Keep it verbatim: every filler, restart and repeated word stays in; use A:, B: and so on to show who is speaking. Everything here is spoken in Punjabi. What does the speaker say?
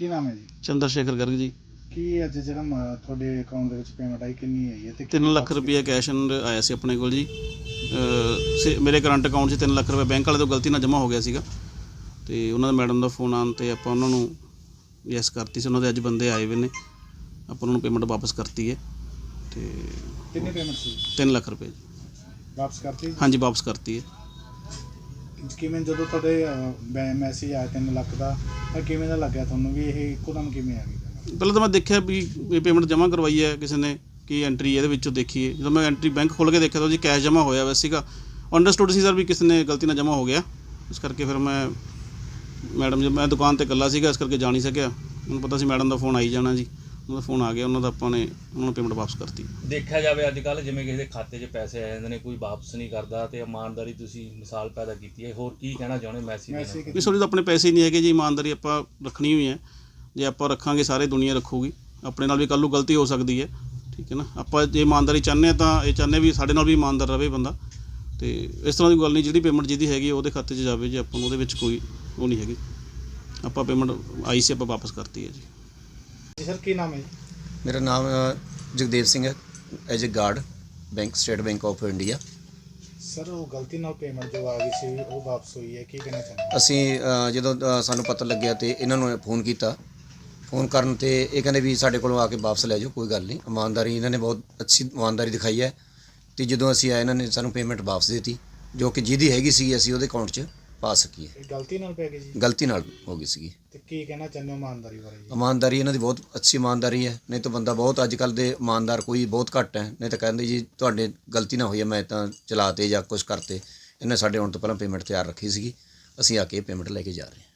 A: ਕੀ ਨਾਮ ਹੈ ਜੀ?
B: ਚੰਦਰ ਸ਼ੇਖਰ ਗਰਗ ਜੀ।
A: ਕੀ ਅੱਜ ਜਿਹੜਾ ਮ- ਤੁਹਾਡੇ ਅਕਾਊਂਟ ਦੇ ਵਿੱਚ ਪੇਮੈਂਟ ਆਈ ਕਿੰਨੀ ਆਈ ਹੈ ਤੇ
B: ਤਿੰਨ ਲੱਖ ਰੁਪਈਆ ਕੈਸ਼ ਆਇਆ ਸੀ ਆਪਣੇ ਕੋਲ ਜੀ। ਅਹ ਸੇ- ਮੇਰੇ ਕਰੰਟ ਅਕਾਊਂਟ 'ਚ ਤਿੰਨ ਲੱਖ ਰੁਪਏ ਬੈਂਕ ਵਾਲੇ ਤੋਂ ਗਲਤੀ ਨਾਲ ਜਮ੍ਹਾਂ ਹੋ ਗਿਆ ਸੀਗਾ ਅਤੇ ਉਹਨਾਂ ਦਾ ਮੈਡਮ ਦਾ ਫੋਨ ਆਉਣ 'ਤੇ ਆਪਾਂ ਉਹਨਾਂ ਨੂੰ ਯੈਸ ਕਰਤੀ ਸੀ। ਉਹਨਾਂ ਦੇ ਅੱਜ ਬੰਦੇ ਆਏ ਹੋਏ ਨੇ, ਆਪਾਂ ਉਹਨਾਂ ਨੂੰ ਪੇਮੈਂਟ ਵਾਪਸ ਕਰਤੀ ਹੈ ਅਤੇ
A: ਕਿੰਨੀ ਪੇਮੈਂਟ ਸੀ?
B: ਤਿੰਨ ਲੱਖ ਰੁਪਏ ਜੀ।
A: ਵਾਪਸ ਕਰਤੀ?
B: ਹਾਂਜੀ ਵਾਪਸ ਕਰਤੀ ਹੈ।
A: ਕਿਵੇਂ ਜਦੋਂ ਤੁਹਾਡੇ ਮੈਸੇਜ ਆਇਆ ਤਿੰਨ ਲੱਖ ਦਾ ਤਾਂ ਕਿਵੇਂ ਦਾ ਲੱਗਿਆ ਤੁਹਾਨੂੰ ਵੀ ਇਹ ਇੱਕੋ ਦਮ ਕਿਵੇਂ ਆ ਗਈ payment?
B: ਪਹਿਲਾਂ ਤਾਂ ਮੈਂ ਦੇਖਿਆ ਵੀ ਇਹ ਪੇਮੈਂਟ ਜਮ੍ਹਾਂ ਕਰਵਾਈ ਹੈ ਕਿਸੇ ਨੇ, ਕੀ ਐਂਟਰੀ ਇਹਦੇ ਵਿੱਚੋਂ ਦੇਖੀਏ। ਜਦੋਂ ਮੈਂ ਐਂਟਰੀ ਬੈਂਕ ਖੋਲ੍ਹ ਕੇ ਦੇਖਿਆ ਤਾਂ ਜੀ ਕੈਸ਼ ਜਮ੍ਹਾਂ ਹੋਇਆ ਹੋਇਆ ਸੀਗਾ। ਅੰਡਰਸਟੂਡ ਸੀ ਸਰ ਵੀ ਕਿਸੇ ਨੇ ਗਲਤੀ ਨਾਲ ਜਮ੍ਹਾਂ ਹੋ ਗਿਆ, ਇਸ ਕਰਕੇ ਫਿਰ ਮੈਂ ਮੈਡਮ ਜੀ ਮੈਂ ਦੁਕਾਨ 'ਤੇ ਇਕੱਲਾ ਸੀਗਾ, ਇਸ ਕਰਕੇ ਜਾ ਨਹੀਂ ਸਕਿਆ। ਮੈਨੂੰ ਪਤਾ ਸੀ ਮੈਡਮ ਦਾ ਫੋਨ ਆਈ ਜਾਣਾ ਜੀ, ਉਹਨਾਂ ਦਾ ਫੋਨ ਆ ਗਿਆ, ਉਹਨਾਂ ਦਾ ਆਪਾਂ ਨੇ ਉਹਨਾਂ ਨੂੰ ਪੇਮੈਂਟ ਵਾਪਸ ਕਰਤੀ।
C: ਦੇਖਿਆ ਜਾਵੇ ਅੱਜ ਕੱਲ੍ਹ ਜਿਵੇਂ ਕਿਸੇ ਦੇ ਖਾਤੇ 'ਚ ਪੈਸੇ ਆ ਜਾਂਦੇ ਨੇ, ਕੋਈ ਵਾਪਸ ਨਹੀਂ ਕਰਦਾ, ਅਤੇ ਇਮਾਨਦਾਰੀ ਤੁਸੀਂ ਮਿਸਾਲ ਪੈਦਾ ਕੀਤੀ ਹੈ। ਹੋਰ ਕੀ ਕਹਿਣਾ ਚਾਹੁੰਦੇ ਮੈਸੇਜ?
A: ਮੈਸੇਜ
B: ਵੀ ਸੋਰੀ ਤਾਂ ਆਪਣੇ ਪੈਸੇ ਹੀ ਨਹੀਂ ਹੈਗੇ ਜੀ, ਇਮਾਨਦਾਰੀ ਆਪਾਂ ਰੱਖਣੀ ਹੋਈ ਹੈ। ਜੇ ਆਪਾਂ ਰੱਖਾਂਗੇ ਸਾਰੇ ਦੁਨੀਆ ਰੱਖੂਗੀ, ਆਪਣੇ ਨਾਲ ਵੀ ਕੱਲ੍ਹ ਨੂੰ ਗਲਤੀ ਹੋ ਸਕਦੀ ਹੈ, ਠੀਕ ਹੈ ਨਾ। ਆਪਾਂ ਜੇ ਇਮਾਨਦਾਰੀ ਚਾਹੁੰਦੇ ਹਾਂ ਤਾਂ ਇਹ ਚਾਹੁੰਦੇ ਵੀ ਸਾਡੇ ਨਾਲ ਵੀ ਇਮਾਨਦਾਰ ਰਹੇ ਬੰਦਾ, ਅਤੇ ਇਸ ਤਰ੍ਹਾਂ ਦੀ ਗੱਲ ਨਹੀਂ। ਜਿਹੜੀ ਪੇਮੈਂਟ ਜਿਹਦੀ ਹੈਗੀ ਉਹਦੇ ਖਾਤੇ 'ਚ ਜਾਵੇ ਜੀ, ਆਪਾਂ ਨੂੰ ਉਹਦੇ ਵਿੱਚ ਕੋਈ ਉਹ ਨਹੀਂ ਹੈਗੀ। ਆਪਾਂ ਪੇਮੈਂਟ ਆਈ ਸੀ ਆਪਾਂ ਵਾਪਸ ਕਰਤੀ ਹੈ ਜੀ।
A: ਜੀ ਸਰ ਕੀ ਨਾਮ ਹੈ ਜੀ?
D: ਮੇਰਾ ਨਾਮ ਅ, ਜਗਦੇਵ ਸਿੰਘ ਹੈ, as a guard bank State Bank of India.
A: Sir ਉਹ ਗਲਤੀ ਨਾਲ ਪੇਮੈਂਟ ਜੋ ਆ ਗਈ ਸੀ ਉਹ ਵਾਪਸ ਹੋਈ ਹੈ, ਕੀ ਕਹਿਣਾ ਚਾਹੁੰਦੇ?
D: ਅਸੀਂ ਅ, ਜਦੋਂ ਅ, ਸਾਨੂੰ ਪਤਾ ਲੱਗਿਆ ਤੇ ਇਹਨਾਂ ਨੂੰ ਫੋਨ ਕੀਤਾ। ਫੋਨ ਕਰਨ ਤੇ ਇਹ ਕਹਿੰਦੇ ਵੀ ਸਾਡੇ ਕੋਲੋਂ ਆ ਕੇ ਵਾਪਸ ਲੈ ਜਾਓ, ਕੋਈ ਗੱਲ ਨਹੀਂ। ਇਮਾਨਦਾਰੀ ਇਹਨਾਂ ਨੇ ਬਹੁਤ ਅੱਛੀ ਇਮਾਨਦਾਰੀ ਦਿਖਾਈ ਹੈ, ਅਤੇ ਜਦੋਂ ਅਸੀਂ ਆਏ ਇਹਨਾਂ ਨੇ ਸਾਨੂੰ ਪੇਮੈਂਟ ਵਾਪਸ ਦੇ ਦਿੱਤੀ, ਜੋ ਕਿ ਜਿਹਦੀ ਹੈਗੀ ਸੀ ਅਸੀਂ ਉਹਦੇ ਅਕਾਊਂਟ 'ਚ ਪਾ ਸਕੀਏ।
A: ਇਹ ਗਲਤੀ ਨਾਲ ਪੈ ਗਈ ਜੀ?
D: ਗਲਤੀ ਨਾਲ ਹੋ ਗਈ ਸੀਗੀ।
A: ਤੇ ਕੀ ਕਹਿਣਾ ਚਾਹੁੰਦੇ ਹੋ ਇਮਾਨਦਾਰੀ ਬਾਰੇ ਜੀ?
D: ਇਮਾਨਦਾਰੀ ਇਹਨਾਂ ਦੀ ਬਹੁਤ ਅੱਛੀ ਇਮਾਨਦਾਰੀ ਹੈ, ਨਹੀਂ ਤਾਂ ਬੰਦਾ ਬਹੁਤ ਅੱਜ ਕੱਲ੍ਹ ਦੇ ਇਮਾਨਦਾਰ ਕੋਈ ਬਹੁਤ ਘੱਟ ਹੈ। ਨਹੀਂ ਤਾਂ ਕਹਿੰਦੇ ਜੀ ਤੁਹਾਡੇ ਗਲਤੀ ਨਾ ਹੋਈ ਹੈ, ਮੈਂ ਤਾਂ ਚਲਾਤੇ ਜਾਂ ਕੁਛ ਕਰਤੇ। ਇਹਨੇ ਸਾਡੇ ਆਉਣ ਤੋਂ ਪਹਿਲਾਂ ਪੇਮੈਂਟ ਤਿਆਰ ਰੱਖੀ ਸੀਗੀ, ਅਸੀਂ ਆ ਕੇ ਪੇਮੈਂਟ ਲੈ ਕੇ ਜਾ ਰਹੇ ਹਾਂ।